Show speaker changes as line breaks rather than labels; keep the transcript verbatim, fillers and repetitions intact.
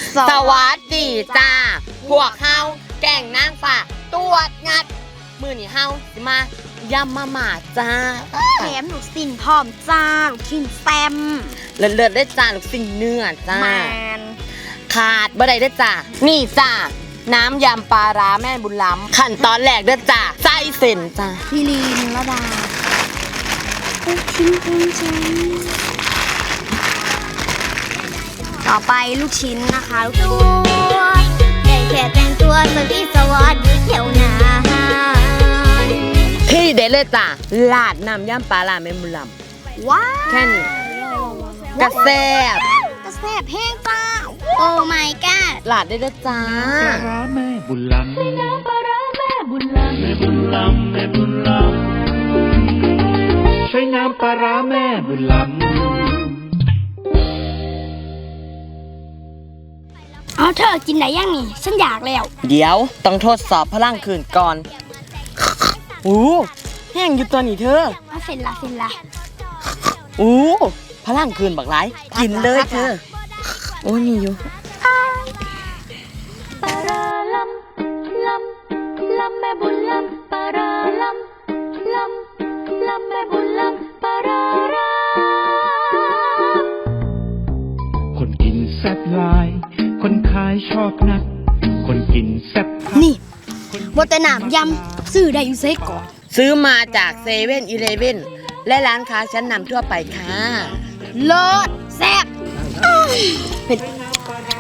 สวัสดีจ้าพวกเฮาแก่งนางฟ้าตรวจงัดมือนี่เฮาสิมายำมาหมาจ้า
แถมลูกสิ้นพร้อมจ้าลูกชิ้นแซม
เลิศๆได้จ้าลูกสิ้นเนื้อจ้า
แมน
ขาดบ่ได้ได้จ้านี่จ้าน้ำยำปลาร้าแม่บุญล้ำขั้นตอนแรกเด้อจ้าไส้เส้นจ้า
พี่ลีนระดาลูกชิ้นลูกชิ้นต่อไปลูกชิ้นนะคะลูกตัวได้แค่แต่งตัวสวีสวัสดีเที่ยวนา
ที่เด็ดเลยจ้าลาดน้ำยำปลาร้าแม่บุญล้
ำว้าว
แค่นี้กระแซบ
กระแซบแห้งจ้าโอ้ my god
ลาดได้เด้อจ้า
ปลาร้าแม่บุญล้ำใส่น้ำปลาร้าแม่บุญล้ำแม่บุญล้ำแม่บุญล้ำใช้น้ำปลาร้าแม่บุญล้ำ
เอาเธอกินไหนยังนี่ฉันอยากแล้ว
เดี๋ยวต้องทดสอบพลังคืนก่อนอู้แห้งอยู่ตัวนี้เธอ
เอาเสร็จละเสร็จละ
อู้พลังคืนบักหลายกินเลยเธอโอ้ยมีอยู่
ปลาร้าลำลำลำแม่บุญลำปลาร้าลำลำลำแม่บุญลำปลาร้าร้า
คนกินแซ่บหลายคนขายชอบนักคนกินแซ่บ
นี่บนแต่หนามยำซื้อได้อยู่เซก่อน
ซื้อมาจากเซเว่นอีเลฟเว่นและร้านค้าชั้นนำทั่วไปค่ะ
เลิศแซ่บเผ็ด